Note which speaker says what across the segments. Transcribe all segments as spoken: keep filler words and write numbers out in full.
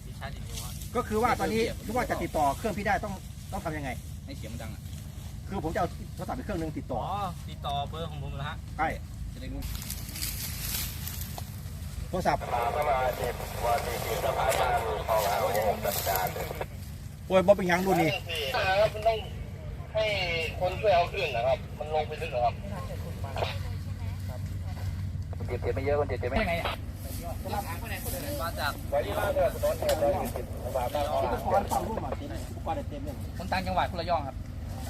Speaker 1: พี่ชาร์จอย่างเดียว
Speaker 2: ก็คือว่าตอนนี้ที่ว่าจะติดต่อเครื่องพี่ได้ต้องต้องทำยังไง
Speaker 1: ให้เสียงมันดังอ่ะ
Speaker 2: คือผมจะเอาโทรศัพท์ไปเครื่องนึงติดต่อ
Speaker 1: อ๋อติดต่อเบอร์ของผมแล้วฮะ
Speaker 2: ใช่
Speaker 1: จะได้รู้
Speaker 2: โทรศัพท์โอ้ยบ๊อบเป็นยังดูนี่
Speaker 3: มันต้องให้คนช่วยเอาขึ้นนะครับมันลงไปลึกนะครับ
Speaker 1: คนเจ็บเจ็บไม่เยอะคนเจ็บเจ็บไม่ไงอ่ะมาจาก
Speaker 3: ไว้ที่บ้านเนี่ยถนนเนี่ยเราอยู่ติดบาบ้านเขาอุปกรณ์
Speaker 2: ฟังรูปมาติดอุปกรณ์เต็มเลย
Speaker 1: คนต่างจังหวัดคนละย่องครับ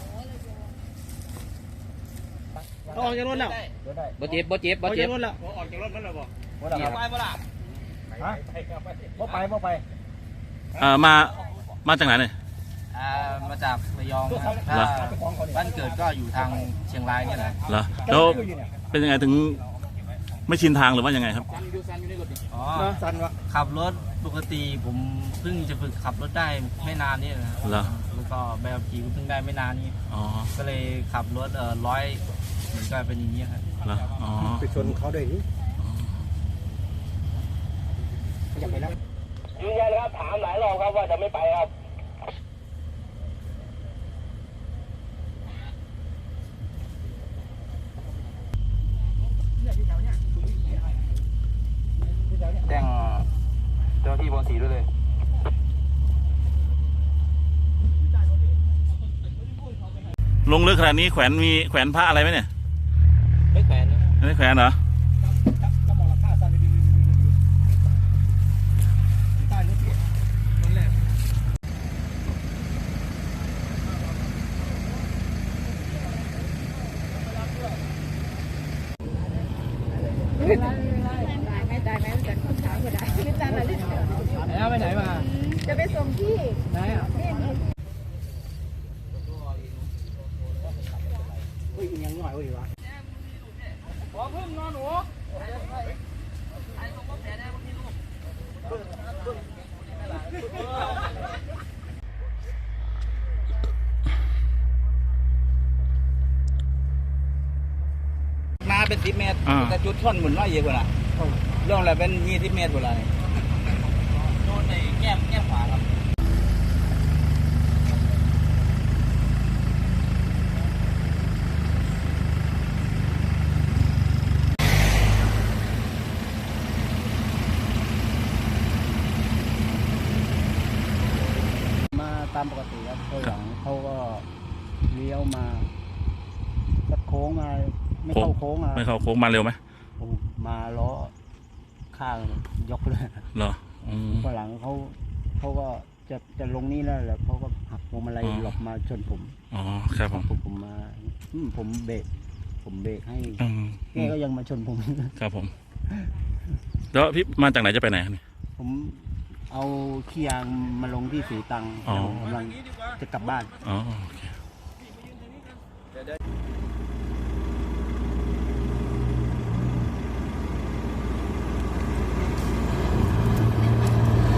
Speaker 2: ออกจากรถแล้ว
Speaker 1: บ่เจ็บบ่เจ็บบ่เจ็บ
Speaker 2: ออกจากรถแล้ว
Speaker 3: ออกจากรถมันแล้วบ่
Speaker 1: เจ็บไปบ่ล่ะ
Speaker 2: ฮะบ่ไปบ่ไป
Speaker 4: อ่ามามาจากไหนเนี่ย
Speaker 1: อ่ามาจากระยองครับถ้าบ้านเกิดก็อยู่ทางเชียงรายเนี่ยนะ
Speaker 4: เหรอแล้วเป็นยังไงถึงไม่ชินทางหรือว่ายังไงครับ
Speaker 1: อ๋อขับรถปกติผมเพิ่งจะฝึกขับรถได้ไม่นานนี่นะ
Speaker 4: เหรอ
Speaker 1: แล้วก็ใบขับขี่เพิ่งได้ไม่นานนี้
Speaker 4: อ๋อ
Speaker 1: ก็เลยขับรถเอ่อร้อยเหมือนกันเป็นอย่างนี้ครับ
Speaker 4: เหรออ๋อ
Speaker 2: ไปชนเขาด้วยนี่อยากไปแล้ว
Speaker 3: ยืนยันครับถามหลายรอบครับว่าจะไม่ไปครับ
Speaker 1: แจ้งเจ้าที่บนสีด้วยเลย
Speaker 4: ลงลึกขนาดนี้แขวนมีแขวนพระอะไรไหมเนี่ย
Speaker 1: ไม่แขวนนะ
Speaker 4: ไม่แขวนเหรอ
Speaker 5: ไม่ตายไม่แต่คนถามก็ได้ไม่ตายมาเล่น
Speaker 1: แล้วไปไหนมา
Speaker 5: จะไปส่งที่
Speaker 1: ไหนอ่ะ
Speaker 2: อุ้ยยังหน่อยอุ้ยวะ
Speaker 1: ขอพึ่งนอนหนูมาเป็นสิบเมตรแต่จุดช่อนหมุนร้อยเยอะกว่าละเรื่องอะไรเป็นยี่สิบเมตรกว่าละโดนในแก้มแก้มขวาครับ
Speaker 2: มาตามปกติครับเขาหลังเขาก็เลี้ยวมาสักโค้งมาไม่เข้าโค้งอ่ะ
Speaker 4: ไม่เข้าโค้งมาเร็วไหม
Speaker 2: มาล้อข้างยกเลย
Speaker 4: เหรอ
Speaker 2: ฝรั่งเขาเขาก็จะจะลงนี่แล้วแหละเขาก็หักพวงมาลัยหลบมาชนผม
Speaker 4: อ๋อครับผม
Speaker 2: ผมผมมาผมเบรกผมเบรกให้แกก็ยังมาชนผม
Speaker 4: ครับผมแล้วพี่มาจากไหนจะไปไหนครับ
Speaker 2: ผมเอาขี้ยางมาลงที่สีตังกำลังจะกลับบ้าน
Speaker 4: อ๋อโอเค